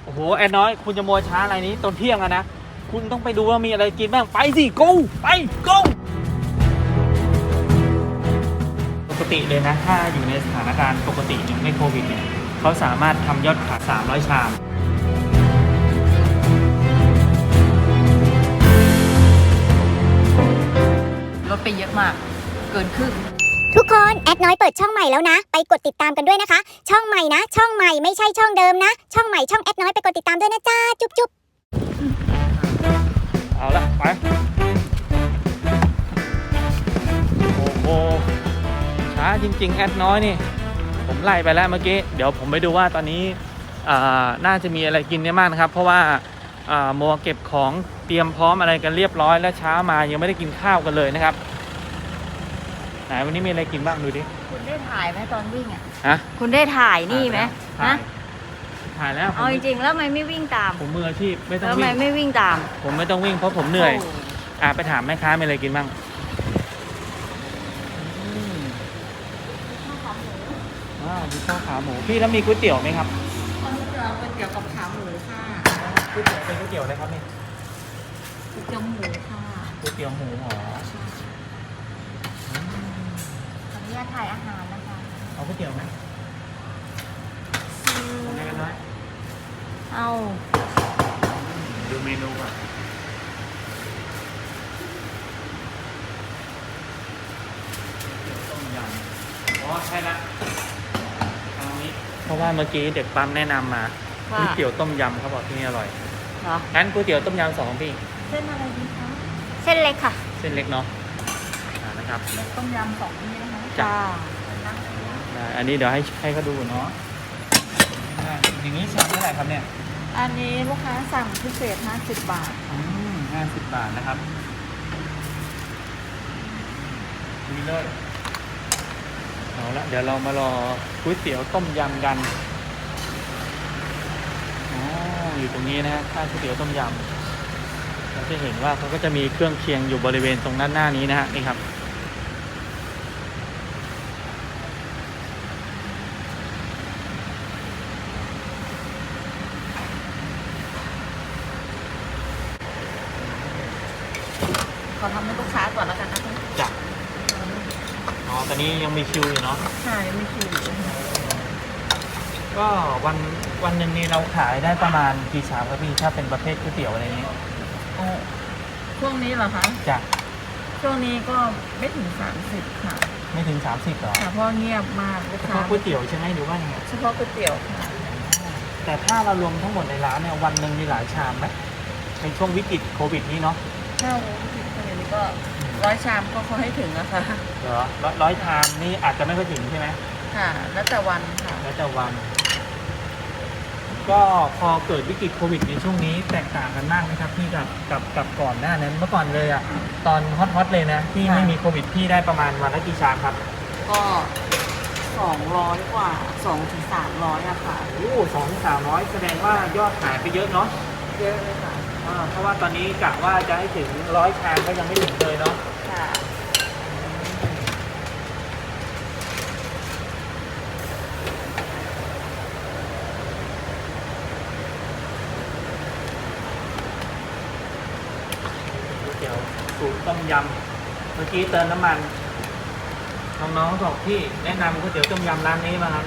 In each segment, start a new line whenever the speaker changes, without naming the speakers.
โอ้โหแอดน้อยคุณจะมัวช้าอะไรนี้ตอนเที่ยงอะนะคุณต้องไปดูว่ามีอะไรกินบ้างไปสิ go ไป go ปกติเลยนะถ้าอยู่ในสถานการณ์ปกติเนี่ยไม่โควิดเนี่ยเขาสามารถทำยอดขาย300 ชาม
ลดไปเยอะมากเกินครึ่ง
ทุกคนแอดน้อยเปิดช่องใหม่แล้วนะไปกดติดตามกันด้วยนะคะช่องใหม่นะช่องใหม่ไม่ใช่ช่องเดิมนะช่องใหม่ช่องแอดน้อยไปกดติดตามด้วยนะจ้าจุ๊บจุ๊บ
เอาละไปโอ้โหช้าจริงๆแอดน้อยนี่ผมไล่ไปแล้วเมื่อกี้เดี๋ยวผมไปดูว่าตอนนี้น่าจะมีอะไรกินได้มากนะครับเพราะว่ามัวเก็บของเตรียมพร้อมอะไรกันเรียบร้อยแล้วเช้ามายังไม่ได้กินข้าวกันเลยนะครับไหนวันนี้มีอะไรกินบ้างดูดิ
คุณได้ถ่ายไหมตอนวิ่งอ่ะ
ฮะ
คุณได้ถ่ายนี่ไหมนะ
ถ่ายแล้ว
เอาจริงๆแล้วทำไมไม่วิ่งตาม
ผมมืออาชีพไม่ต้อง
วิ่งทำไมไม่วิ่งตาม
ผมไม่ต้องวิ่งเพราะผมเหนื่อยไปถามแม่ค้ามีอะไรกินบ้างมีข้าวขาหมูพี่แล้วมีก๋วยเตี๋ยวไหมครับ
ก๋วยเตี๋ยวกับขาหมูค่ะ
ก๋วยเตี๋ยวเป็นก๋วยเตี๋ยวอะไรครับนี่
ก๋วยเตี๋ยวหมูค่ะ
ก๋วยเตี๋ยวหมูหรอ
ขออนุญาตถ่ายอาหารนะคะ
เอาก๋วยเตี๋ยวไหมเอาไงกันน้อย
เอา
ดูเมนูก่อนต้มยำใช่ละเอานี้เพราะว่าเมื่อกี้เด็กปั๊มแนะนำมาก๋วยเตี๋ยวต้มยำเขาบอกที่นี่อร่อย
เหรอ
งั้นก๋วยเตี๋ยวต้มยำ2พี่
เส้นอะไรดีคะเส้นเล็กค่ะ
เส้นเล็กเนาะนะครับ
ต้มยำ2นี่นะคะจ้า
อันนี้เดี๋ยวให้เขาดูเนาะอย่างนี้ชามเท่าไหร่ครับเนี่ย
อันนี้ลูกค้าสั่งพิเศษ50 บาท
50 บาทนะครับดีเลยเอาละเดี๋ยวเรามารอก๋วยเตี๋ยวต้มยำกันอยู่ตรงนี้นะข้างก๋วยเตี๋ยวต้มยำเราจะเห็นว่าเขาก็จะมีเครื่องเคียงอยู่บริเวณตรงด้านหน้านี้นะฮะนี่ครับ
ขอทำให้ลูกค้าก่อนแล้วกันนะคะ
จ้ะตอนนี้ยังมีคิวอยู่เนาะ
ใช่มีคิวอยู่
ก็วันหนึ่งนี่เราขายได้ประมาณกี่ชามครับพี่ถ้าเป็นประเภทก๋วยเตี๋ยวอะไรนี้
ช่วงนี้เหรอคะ
จ้ะ
ช่วงนี้ก็ไม่ถึง30ค่ะ
ไม่ถึง30หรอ
ค่ะเพราะเงียบมากลูก
เฉ
ค้า
พาะก๋วยเตี๋ยวใช่ไหมหรือว่ายังไง
เฉพาะก๋วยเตี๋ยวค่ะ
แต่ถ้าเรารวมทั้งหมดในร้านเนี่ยวันหนึ่งมีหลายชามไหมในช่วงวิกฤตโควิดนี้เนาะ
ถ้าวิกฤตโควิดนี้ก็100 ชามก็เขาให้ถึงนะคะ
เหรอ100 ชามนี่อาจจะไม่ค่อยถึงใช่ไหม
ค่ะแล้วแต่วันค่ะ
แล้วแต่วันก็พอเกิดวิกฤตโควิดในช่วงนี้แตกต่างกันมากไหมครับพี่กับก่อนหน้านั้นเมื่อก่อนเลยอะตอนฮอตเลยนะที่ไม่มีโควิดพี่ได้ประมาณวันละกี่ชามครับ
ก็200 กว่า200-300อะค่ะ
200-300แสดงว่ายอดขายไปเยอะเนาะ
เยอะเลยค่ะ
เพราะว่าตอนนี้กะว่าจะให้ถึง100 ชามก็ยังไม่ถึงเลยเนาะ
ค่ะ
เดี๋ยวสูตรต้มยำเมื่อกี้เติมน้ำมันน้องๆบอกพี่แนะนำก๋วยเตี๋ยวต้มยำร้านนี้มาครับ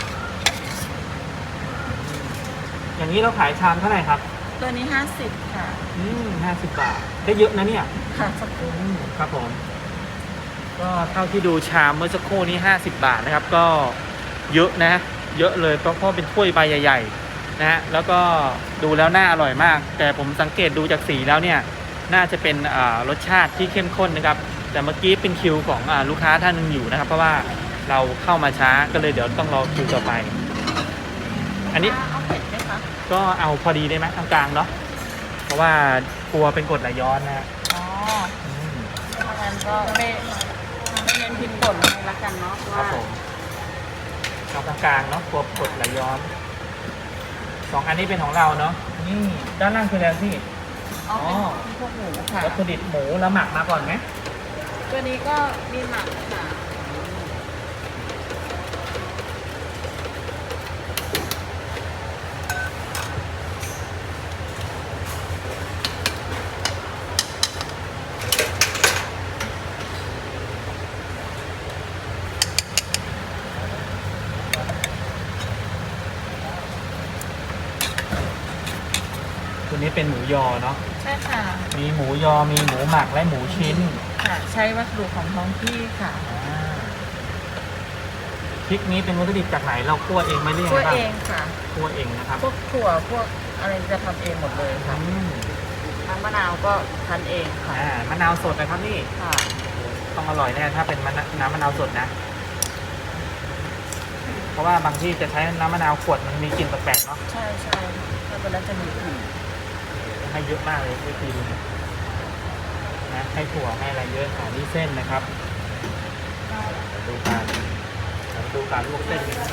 อย่างนี้เราขายชามเท่าไหร่ครับ
ตัวนี้50ค่ะ
50 บาทได้เยอะนะเนี่ย
ค่ะสักครู่
ครับผมก็เท่าที่ดูชามเมื่อสักครู่นี้50 บาทนะครับก็เยอะนะเยอะเลยเพราะเป็นถ้วยใบใหญ่ๆนะฮะแล้วก็ดูแล้วน่าอร่อยมากแต่ผมสังเกตดูจากสีแล้วเนี่ยน่าจะเป็นรสชาติที่เข้มข้นนะครับแต่เมื่อกี้เป็นคิวของลูกค้าท่านหนึ่งอยู่นะครับเพราะว่าเราเข้ามาช้าก็เลยเดี๋ยวต้องรอคิวต่อไปอันนี้
เอาเผ็ดไหมคะ
ก็เอาพอดีได้ไหมกลางๆเนาะเพราะว่ากลัวเป็นกรดไหลย้อนนะ
ถ้างั้นก็ไม่เน้นพริกป่นให้ละกันเนาะ
ครับผมเอากลางๆเนาะกลัวกรดไหลย้อน2อันนี้เป็นของเราเนาะนี่ด้านล่างคืออะไรพี่
พวกหมูค่ะ
วัตถุดิบหมูแล้วหมักมาก่อนไหม
ตัวนี้ก็มีหมักค่ะ
ตัวนี้เป็นหมูยอเนาะ
ใช่ค่ะ
มีหมูยอมีหมูหมักและหมูชิ้น
ค่ะ ใช้วัสดุของท้องที่ค่ะ
พริกนี้เป็นวัตถุดิบจากไหนเราคั่วเองไหมหรือยัง
คั่ว
ไงบ้าง
เองค่ะ
คั่วเองนะครับ
พวกถั่วพวกอะไรจะทำเองหมดเลยค่ะ
อืม
น้ำมะนาวก็คั้นเองค่ะ
มะนาวสดนะครับนี่
ค่ะ
ต้องอร่อยแน่ถ้าเป็นน้ำมะนาวสดนะ เพราะว่าบางที่จะใช้น้ำมะนาวขวดมันมีกลิ่นแปลกๆเนาะ
ใช่ใช่ค่ะถ้าเป็นแล้วจะมีกลิ่น
ให้เยอะมากเลยวิธีนี้นะให้ถั่วให้อะไรเยอะค่ะนี่เส้นนะครับเดี๋ยวดูการลวกเส้นกันนะ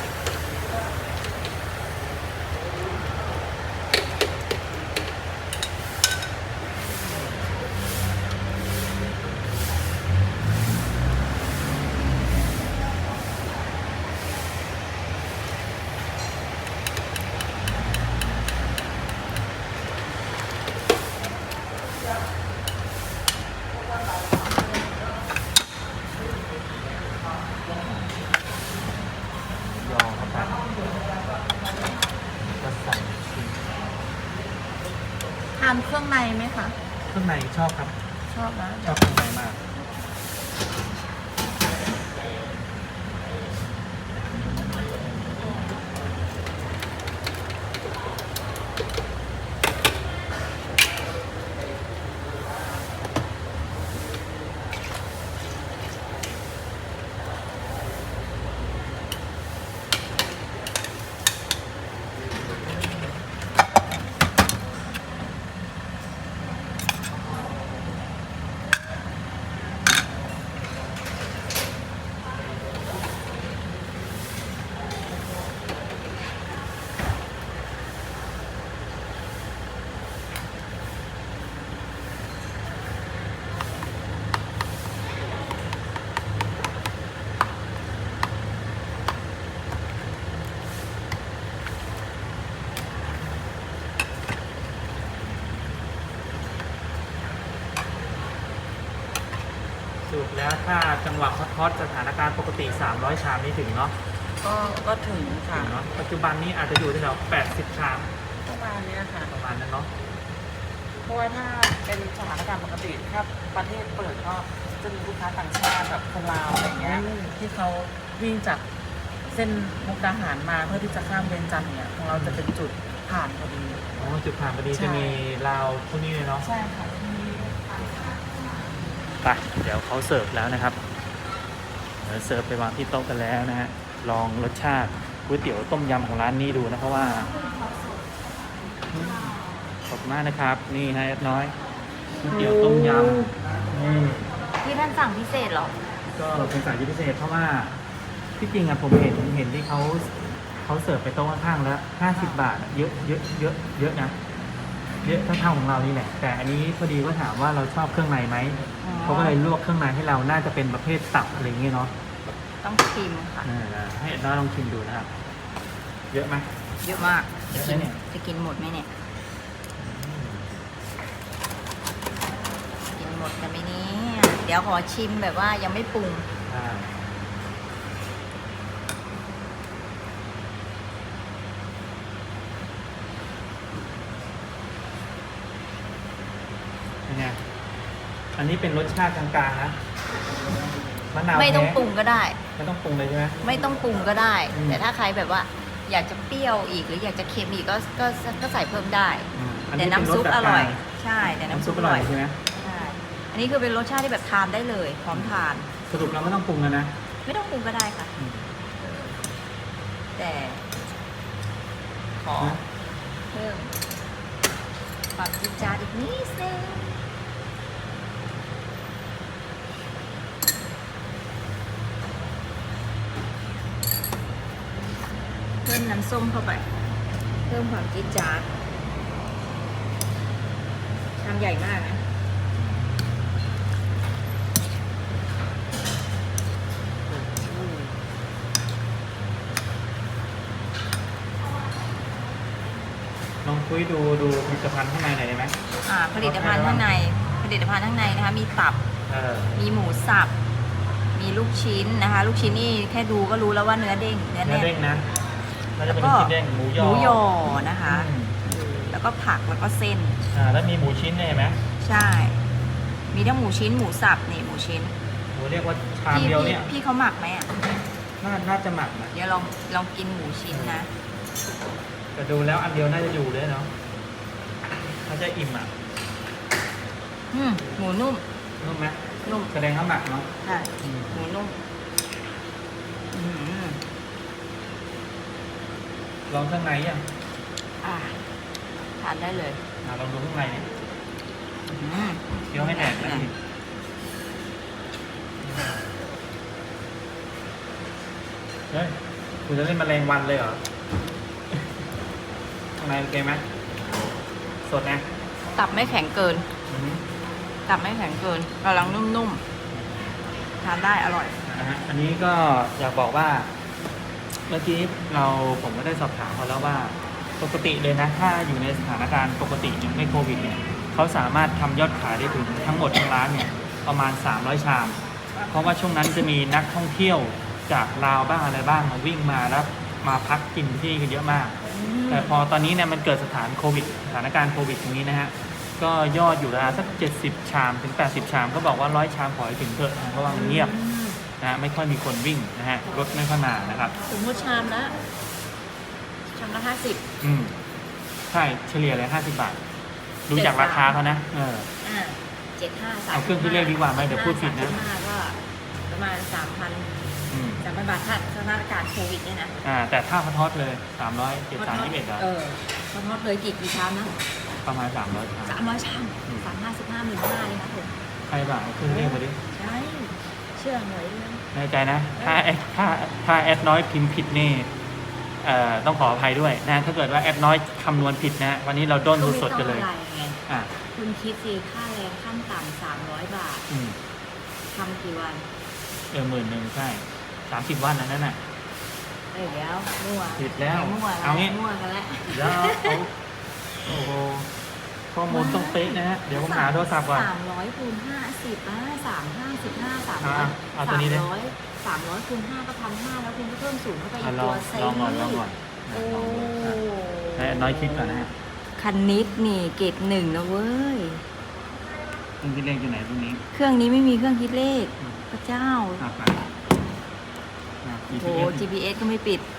ยอเข้าไปก็ใส่ชิ้น
ทานเครื่องในไหมคะ
เครื่องในชอบครับ
ชอบนะ
ชอบเครื่องในมาก สรุปแล้วถ้าจังหวะฮอตๆสถานการณ์ปกติ300 ชามนี่ถึงเนาะ
ก็ถึงค่ะ
ถึงเนาะปัจจุบันนี้อาจจะอยู่ที่แถว80 ชาม
ประมาณเนี้ยค่ะ
ประมาณนั้นเนาะ
เพราะว่าถ้าเป็นสถานการณ์ปกติถ้าประเทศเปิดก็จะมีลูกค้าต่างชาติแบบคนลาวอะไรเงี้ยที่เขาวิ่งจากเส้นมุกดาหารมาเพื่อที่จะข้ามเวียงจันทร์เนี่ยของเราจะเป็นจุดผ่านพอดี
อ๋อจุดผ่านพอดี
ใช่
จะมีราวพวกนี้เลยเนาะ
ใช่ค่ะที่
ไปเดี๋ยวเขาเสิร์ฟแล้วนะครับเดี๋ยวเสิร์ฟไปวางที่โต๊ะกันแล้วนะฮะลองรสชาติก๋วยเตี๋ยวต้มยำของร้านนี้ดูนะเพราะว่าขอบคุณมากนะครับนี่ฮะแอดน้อยก๋วยเตี๋ยวต้มยำนี่
ที่ท่านสั่งพิเศษเหรอ
ก็เป็นสายพิเศษเพราะว่าที่จริงอะผมเห็นที่เขาเสิร์ฟไปโต๊ะข้างๆแล้ว50 บาทอะเยอะนะเยอะเท่าของเรานี่แหละแต่อันนี้พอดีก็ถามว่าเราชอบเครื่องในไหม
อ๋อ
เขาก็เลยลวกเครื่องในให้เราน่าจะเป็นประเภทตับอะไรอย่างเงี้ยเนาะ
ต้องชิมค่ะ
ให้น้าลองชิมดูนะครับ เยอะไหม
เยอะมาก
เยอะไหมเนี่ย
จะกินหมดไหมเนี่ย กินหมดกันไหมเนี่ยเดี๋ยวขอชิมแบบว่ายังไม่ปรุง
อ่าเป็นไงอันนี้เป็นรสชาติกลางๆนะมะนาว
ไม่ต้อง
แท้
ปรุงก็ได้
ไม่ต้องปรุงเลยใช่ไหม
ไม่ต้องปรุงก็ได้
อืม
แต่ถ้าใครแบบว่าอยากจะเปรี้ยวอีกหรืออยากจะเค็มอีกก็ใส่เพิ่มได้
อัน
แต่
นี้เป็
น้ำซุป
ส
อร่อย
กลาง
ใช่ แต่
ๆ
น้ำ
น้ำ
ซุ
ซุ
ป
ป
อ
อร่
ร่
อ
อย ย
ใช่ไหม
ใช่ อันนี้คือเป็นรสชาติที่แบบทานได้เลยพร้อมทาน
สรุปเราไม่ต้องปรุงแล้วนะ
ไม่ต้องปรุงก็ได้ค่ะ
อืม
แต่ขอ
นะ
เพิ่มความจิจาดอีกนิดนึงเพิ่มน้ำส้มเข้าไป เพิ่มความจิจาดชามใหญ่มากนะ
ลองคุยดูผลิตภัณฑ์ข้างในหน่อยได้ไหม
ผลิตภัณฑ์ข้างในนะคะมีตับ มีหมูสับ มีลูกชิ้นนะคะ ลูกชิ้นนี่แค่ดูก็รู้แล้วว่าเนื้อเด้ง เนื้อ
เนื้อ
แน่น
เด้งนะน่าจะ
แล้ว
เป็น
ก็
ลูกชิ้นเด้งหมูยอ
หมูยอนะคะ
อืม
แล้วแล้วก็ผักแล้วก็เส้น
แล้วมีหมูชิ้นเนี่ยเห็นไหม
ใช่ มีทั้งหมูชิ้นหมูสับนี่หมูชิ้น
หมูเรียกว่าชาม
พี่
เดียวเนี่ย
พี่เขาหมักไหมอ่ะ
น่าจะหมักนะ
เดี๋ยวลองกินหมูชิ้นนะ
แต่ดูแล้วอันเดียวน่าจะอยู่เลยเนาะน่าจะอิ่มอ่ะ
หมูนุ่ม
นุ่มไหม
นุ่ม
แสดงว่าหมักเนาะ
ใช่หมูนุ่ม
ลองข้างในยัง
อ่ะทานได้เลย
ลองดูข้างในเนี่ย
อืม
เคี้ยวให้แหนกนะพี่เฮ้ยคุณจะเล่นแมลงวันเลยเหรอ ข้างในโอเคไหมสดนะ
ตับไม่แข็งเกิน
อือฮึ
ตับไม่แข็งเกินกำลังนุ่มๆ ทานได้อร่อย
นะฮะอันนี้ก็อยากบอกว่า เมื่อกี้ผมก็ได้สอบถามเขาแล้วว่าปกติเลยนะ ถ้าอยู่ในสถานการณ์ปกติเนี่ยไม่โควิดเนี่ยเขาสามารถทำยอดขายได้ถึงทั้งหมดทั้งร้านเนี่ยประมาณ300 ชาม เพราะว่าช่วงนั้นจะมีนักท่องเที่ยวจากลาวบ้างอะไรบ้างมาวิ่งมาแล้วมาพักกินที่กันเยอะมาก แต่พอตอนนี้เนี่ยมันเกิดสถานการณ์โควิดตรงนี้นะฮะก็ยอดอยู่ราวสัก70 ชามถึง80 ชามก็บอกว่า100 ชามขอให้ถึงเถอะนะเพราะว่ามันเงียบนะฮะไม่ค่อยมีคนวิ่งนะฮะรถไม่ค่อยมานะครับ
สมมติชามละ
อืมใช่เฉลี่ยเลย50 บาท ดูจากราคาเขานะ
75
เอาเครื่องคิดเลขดีกว่าไหมเดี๋ยวพูดผิดนะ
35ก็ประมาณ
อืม
3,000 บาทถ้าสถานการณ์โควิดเนี่ยนะ
แต่ถ้าเขาทอดเลย300 73 21เหรอ
เขาทอดเลยกี่ชามนะ
ประมาณ300 ชาม
300 ชาม355 15,000เลยนะผม
ใครบ้างเอาเครื่องเลขมาดิ
ใช่เชื่อหน่อยด้วย
แน่ใจนะ ถ้าแอดน้อยพิมพ์ผิดนี่ต้องขออภัยด้วยนะถ้าเกิดว่าแอดน้อยคำนวณผิดนะวันนี้เราด้นสดๆกันเลย
ก็ไม่ต้องอะไรไง
อ่ะ
คุณคิดสิค่าแรงขั้นต่ำ300 บาท
อืม
ทำกี่วัน
10,000ใช่30 วันนั้นน่ะ
แล้วมั่ว
ผิดแล้ว
มั่ว
เอางี้
มั่วกันแล้ว
แล้วเอาโอ้โหข้อมูลต้องเป๊ะนะฮะเดี๋ยวผมหาโทรศัพท์ก่อน
300คูณ50355
เอาตัวนี้ดิ
300คูณ5ก็1,500แล้วคุณก็เพิ่มศูนย์เข้าไปอีก
ล
ตั
อ
ว
ง
เซ
ลองก่อนลองก่อน
โอ้
ให้แอดน้อยคิดก่อนนะฮะ
คันนิดนี่เกรด1นะเว้ย
เครื่องคิดเลขอยู่ไหนตรงนี้
เครื่องนี้ไม่มีเครื่องคิดเลข พระเจ้า
ไป
โอ้ GPS ก็ไม่ปิด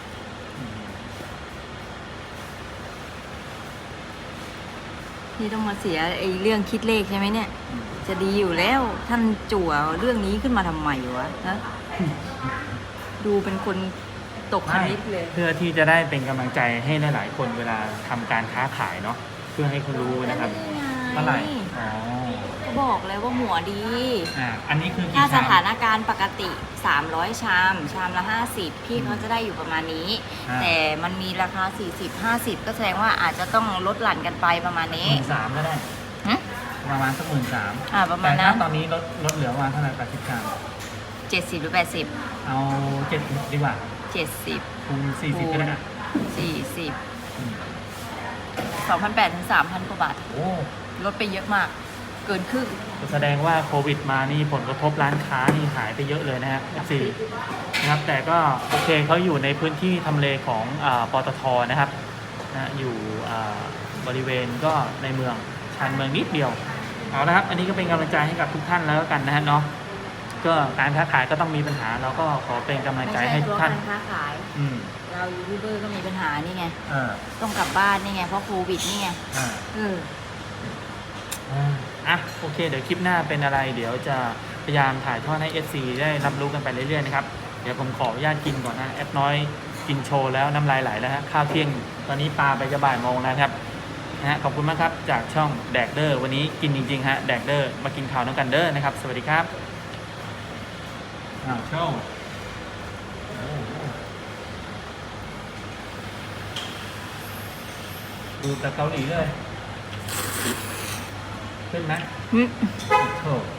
นี่ต้องมาเสียไอ้เรื่องคิดเลขใช่ไหมเนี่ย จะดีอยู่แล้วท่านจั่วเรื่องนี้ขึ้นมาทำไมวะนะดูเป็นคนตกคณิตเลย
เพื่อที่จะได้เป็นกำลังใจให้หลายๆคนเวลาทำการค้าขายเนาะเพื่อให้เขารู้นะครับเท่าไหร่อ๋อ
ก็บอกเลยว่าหัวดี
อันนี้คือกี่
ถ้าส
ชาม
ถานการณ์ปกติ 300 ชาม ชามละ 50 พี่เขาจะได้อยู่ประมาณนี้ แต่มันมีราคา 40-50 ก็แสดงว่าอาจจะต้องลดหลั่นกันไปประมาณนี้
13,000ก็ได้
หึ
ประมาณสัก13,000
ประมาณ
แต่
นั้
ถ้าน ตอนนี้ลดเหลือประมาณเท่าไหร่80 ชาม
70 หรือ 80
เอา70ดีกว่า
70
คูณ40ก็ได้นะ
40
อืม
2,800 ถึง 3,000 กว่าบาท
โอ้
ลดไปเยอะมาก เกินครึ่ง
แสดงว่าโควิดมานี่ผลกระทบร้านค้านี่หายไปเยอะเลยนะฮะ4นะครับแต่ก็โอเคเขาอยู่ในพื้นที่ทำเลของปตทนะครับนะอยู่บริเวณก็ในเมืองชานเมืองนิดเดียวเอาละครับอันนี้ก็เป็นกำลังใจให้กับทุกท่านแล้วกันนะฮะเนาะก็การค้าขายก็ต้องมีปัญหาเราก็ขอเป็นกำลังใจให้ทุกท่าน
ไม่ใช่เพราะการค้าขาย
อืม
เรายูทูบเบอร์ก็มีปัญหานี่ไง
เออ
ต้องกลับบ้านนี่ไง เพราะโควิดนี่ไง
อ่า โอเคเดี๋ยวคลิปหน้าเป็นอะไร เดี๋ยวจะพยายามถ่ายทอดให้ FC ได้รับรู้กันไปเรื่อยๆนะครับเดี๋ยวผมขออนุญาตกินก่อนนะแอดน้อยกินโชว์แล้วน้ำลายไหลแล้วฮะข้าวเที่ยงตอนนี้ปลาไปจะบ่ายโมงแล้วครับนะฮะขอบคุณมากครับจากช่องแดกเดอร์วันนี้กินจริงๆฮะแดกเดอร์มากินข่าวน้ำกันเดอร์นะครับสวัสดีครับโชว์ดูแต่เกาหลีเลยขึ้นไหม โอ้